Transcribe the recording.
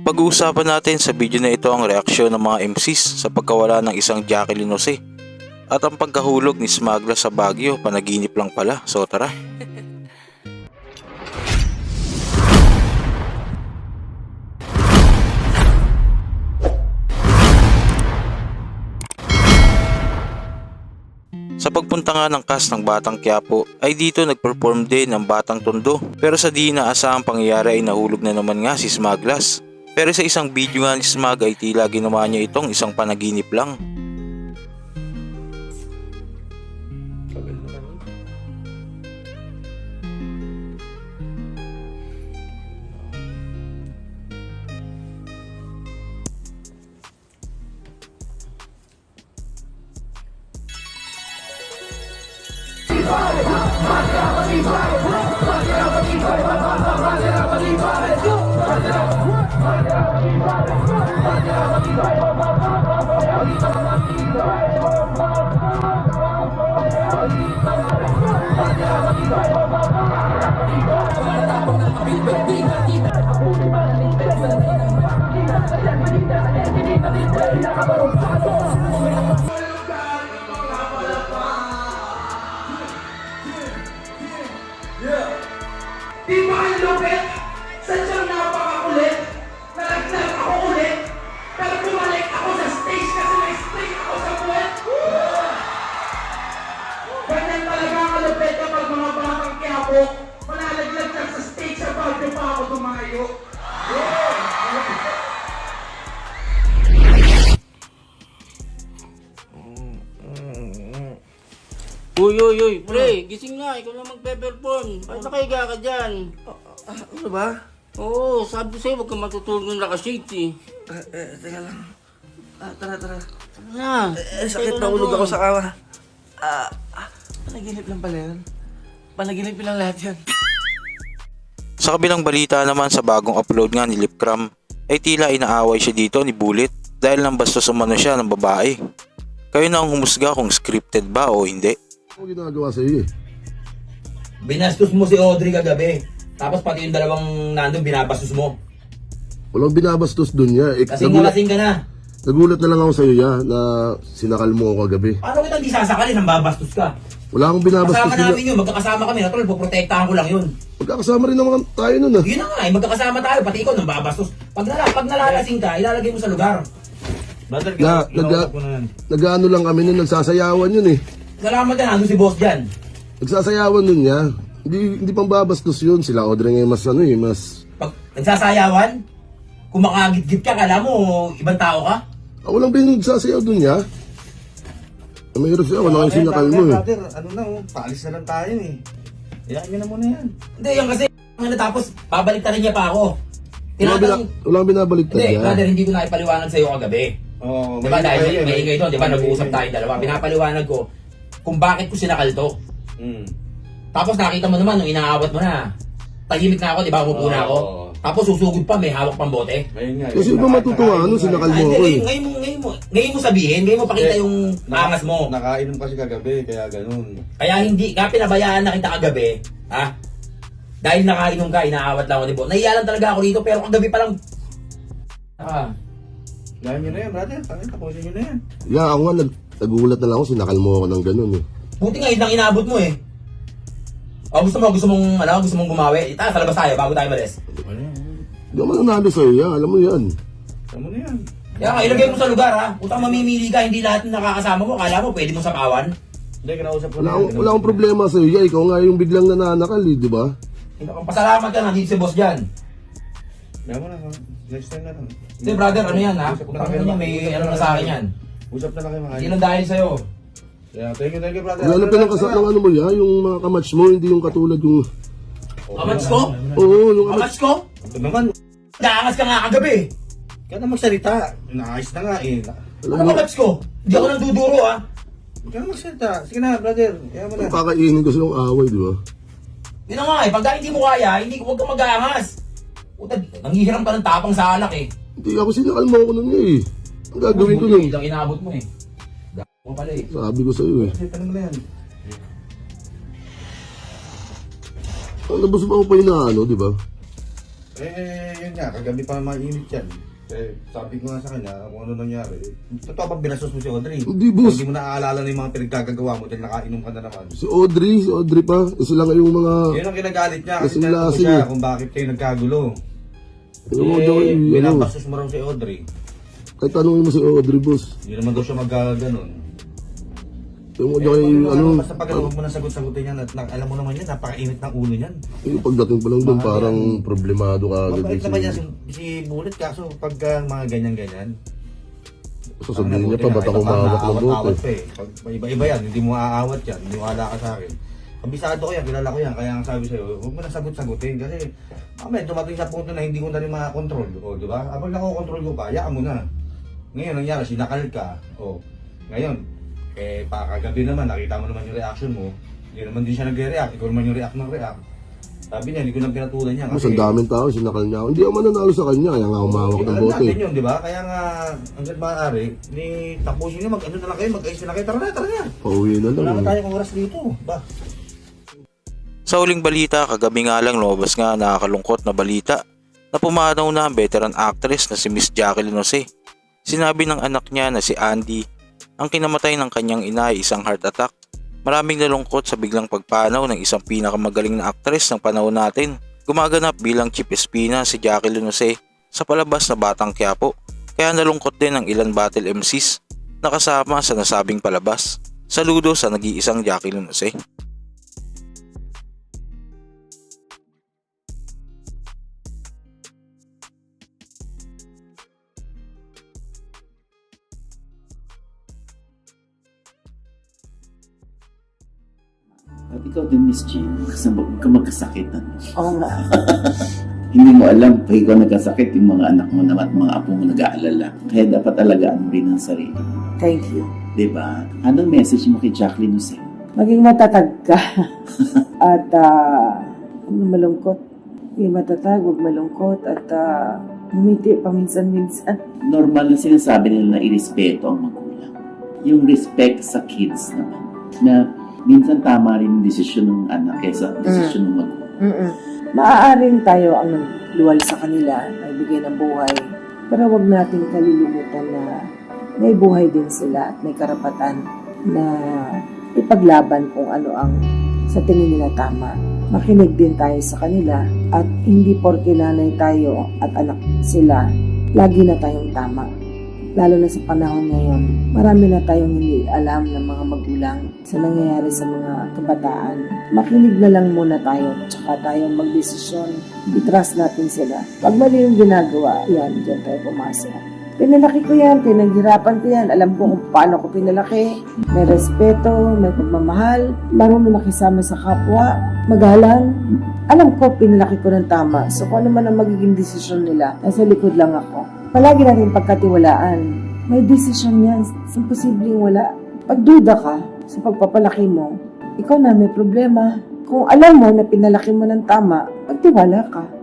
Pag-uusapan natin sa video na ito ang reaksyon ng mga MCs sa pagkawala ng isang Jacqueline Jose at ang pagkahulog ni Smagla sa Baguio, panaginip lang pala. So tara. Sa pagpunta nga ng cast ng Batang Quiapo ay dito nagperform din ng Batang Tondo, pero sa di inaasahang pangyayari ay nahulog na naman nga si Smaglas. Pero sa isang video nga ni Smag ay tila ginawa niya itong isang panaginip lang. Di ba ang lupit? Sadyang napakakulit. Nalaglag ako ulit. Pero bumalik ako sa stage kasi may string ako sa buwet. Ganyan talaga ang lupit kapag mga Batang Quiapo. Malalaglag lang sa stage sa Baguio pa ako tumayo. Uy, pre, gising nga, ikaw na magpe-perform. Ba't nakahiga ka dyan? Ano ba? Oo, sabi ko sa'yo, huwag kang matutulog ng nakashades eh. Teka lang. Tara. Ano na? Sakit na ulog ako sa kawa. Panaginip lang pala yun. Panaginip lang lahat yan. Sa kabilang balita naman sa bagong upload nga ni Lipcram ay tila inaaway siya dito ni Bullet dahil nang bastos umano siya ng babae. Kayo na ang humusga kung scripted ba o hindi. Ano ginagawa sa iyo eh? Binastos mo si Audrey kagabi. Tapos pati yung dalawang nandun binabastos mo. Walang binabastos dun niya. Kasing malasing ka na. Nagulat na lang ako sa iyo ya na sinakal mo ako kagabi. Paano kita hindi sasakalin ang babastos ka? Wala akong binabastos Kasama niya. namin yun, magkakasama kami. Natuloy, poprotektahan ko lang yun. Magkakasama rin naman tayo nun ah. Yun na nga magkakasama tayo. Pati ikaw nang babastos. Pag nalalasing ka, ilalagay mo sa lugar. Nag-ano lang kami nun, nagsasayawan yun eh. Salamat yan, nandun si boss dyan. Nagsasayawan nun niya. Hindi pang babastos yun. Sila Audrey ngayon mas ano eh, mas... Pag nagsasayawan, kung makagit-git ka, kala mo ibang tao ka? Walang pinagsasayaw dun niya. Mayroon siya, wala kang sinakal mo eh. Brother, ano na paalis na lang tayo eh. Iyakin nyo na muna yan. Hindi, yan kasi, tapos babalik ta rin niya pa ako. Walang binabaliktad Hindi, niya. brother, hindi ko na ipaliwanag sa'yo kagabi. Oo, Di ba dahil may ingay doon, di ba nag-uusap tayo dalawa. Pinapaliwanag ko kung bakit ko sinakal to. Tapos nakita mo naman nung inaawat mo na. Tahimik na ako, di ba? Umupo na ako. Tapos susugod pa, may hawak pang bote. Kasi ba matutuwa ano, sinakal mo ako eh. Ngayon mo sabihin, ngayon mo pakita yung angas mo. Nakainom kasi kagabi, kaya ganun. Kaya hindi, kaya pinabayaan na kita kagabi, ha? Dahil nakainom ka, inaawat lang ako, di ba? Nahiya lang talaga ako dito, pero kagabi pa lang. Gawin nyo na yan, brother. Tapusin nyo na yan. Yeah, ako nga nagulat na lang ako, sinakal mo ako ng ganun eh. Buti nga, yun lang inaabot mo eh. O gusto mong gumawi? Ita, sa labas tayo bago tayo malis. Ano yan? Hindi ako mananalo sa'yo yan, alam mo yan. Tama na yan. Kaya nga, ilagay mo sa lugar ha. Utang mamimili ka, hindi lahat ng nakakasama mo. Kala mo, pwede mo sapawan. Hindi, kinausap ko Wala akong problema sa'yo yan, ikaw nga yung biglang nananakal eh, di ba? Pasalamat ka, nandito si boss dyan. Kaya mo na, next time na lang. Hindi brother, ano yan ha? Utang na niya, may ano na sa akin yan. Usap na lang kayo mga Hindi lang dahil sa'yo. Yeah, thank you, brother. Wala na pinangkasal ng ano mo yan, yung mga kamatch mo, hindi yung katulad yung... Kamats ko? Oo, yung Kamats ko? Ito naman, Naangas ka nga kagabi. kaya na magsalita. Naayos na nga eh. Ano kamats ko? Hindi ako nang duduro ha. Kaya na magsalita. Sige na, brother. Kaya mo na. Kakainin ko silang away, di ba? Yun na nga eh, pag hindi mo kaya, huwag kang mag-aangas. Puta, nangihiram ka ng tapang sa alak eh. Hindi ako sinakal mo ako nun eh. Ang gagawin ko nun, Ang inaabot mo eh. Mo pala eh. sabi ko sa'yo eh. Salita naman na yan. Ang labas mo ako pa yung ano, di ba? Yun nga, kagabi pa mainit yan. Sabi ko nga sa kanya, kung ano nangyari. Totoo bang binastos mo si Audrey? Hindi, boss. Hindi mo naaalala na yung mga pinagkagagawa mo dahil nakainom ka na naman. Si Audrey pa. Sila nga yung mga... Yun ang kinagalit niya kasi Lasing-lasing tinatanong ko siya eh. kung bakit kayo nagkagulo. Ano, Binabastos mo raw si Audrey. kahit tanongin mo si Audrey, boss. Hindi naman daw siya mag-ganon. Yung ano, Basta pag huwag mo na sagot-sagutin yan at alam mo naman yan, napakainit ng ulo niyan. yung pagdating pa lang doon, parang problemado ka agad. Mabait naman yan si Bullet, kaso pag mga ganyan-ganyan. Sasabihin niya pa, ba't ako mahawak ng bote? Pag iba-iba yan, hindi mo aawat yan, hindi mo ala ka sa akin. Kabisado ko yan, kilala ko yan, kaya ang sabi sa'yo, huwag mo na sagot-sagutin kasi mamaya dumating sa punto na hindi ko na rin makakontrol. O, di ba? Kapag nakokontrol ko pa, hayaan mo na. Ngayon, nangyari, sinakal ka. O, ngayon, pakagabi naman, nakita mo naman yung reaction mo. Hindi naman din siya nagre-react, ikaw naman yung react ng react. Sabi niya, hindi ko nang pinatulan niya. Mas ang daming tao, sinakal niya ako. Hindi ako mananalo sa kanya, kaya nga humawak ng bote. natin yun, di ba? Kaya nga, hanggang maaari, tapusin niyo, mag-ano na lang kayo, mag-ayos na kayo, tara na. Pauwi na Wala lang. na tayong oras dito, ba? Sa huling balita, kagabi nga lang lumabas nga nakakalungkot na balita na pumanaw na ang veteran actress na si Miss Jacqueline Jose. Sinabi ng anak niya na si Andy, ang kinamatay ng kanyang ina ay isang heart attack. Maraming nalungkot sa biglang pagpanaw ng isang pinakamagaling na actress ng panahon natin. Gumaganap bilang Chief Espina si Jacqueline Jose sa palabas na Batang Quiapo, kaya nalungkot din ang ilan battle MCs na kasama sa nasabing palabas. Saludo sa nag-iisang Jacqueline Jose. At ikaw din, Miss Jean, kasama ka magkasakit. Oo nga. Hindi mo alam, pag ikaw nagkasakit, yung mga anak mo naman at mga apo mo nag-aalala. Kaya dapat alagaan mo rin ang sarili. Thank you. Diba? Anong message mo kay Jacqueline Jose? Maging matatag ka. At huwag na malungkot. Maging matatag, huwag malungkot. At humiti paminsan-minsan. Normal na sinasabi nila na irespeto ang magulang. Yung respect sa kids naman. Na minsan tama rin yung desisyon ng anak kaysa desisyon ng magulang. Maaaring tayo ang nagluwal sa kanila, nagbigay ng buhay. Pero huwag natin kalilimutan na may buhay din sila at may karapatan na ipaglaban kung ano ang sa tingin nila tama. Makinig din tayo sa kanila at hindi porke nanay tayo at anak sila, lagi na tayong tama. Lalo na sa panahon ngayon, marami na tayong hindi alam ng mga magulang sa nangyayari sa mga kabataan. Makinig na lang muna tayo, tsaka tayong magdesisyon. I-trust natin sila. Pag mali yung ginagawa, yan, dyan tayo pumasok. Pinalaki ko yan, pinaghirapan ko yan. Alam ko kung paano ko pinalaki. May respeto, may pagmamahal, marunong makisama sa kapwa, magalang. Alam ko, pinalaki ko ng tama. So kung ano man ang magiging desisyon nila, nasa likod lang ako. Palagi natin pagkatiwalaan. May desisyon yan. Imposibleng wala. Pagduda ka sa pagpapalaki mo, ikaw na may problema. Kung alam mo na pinalaki mo ng tama, magtiwala ka.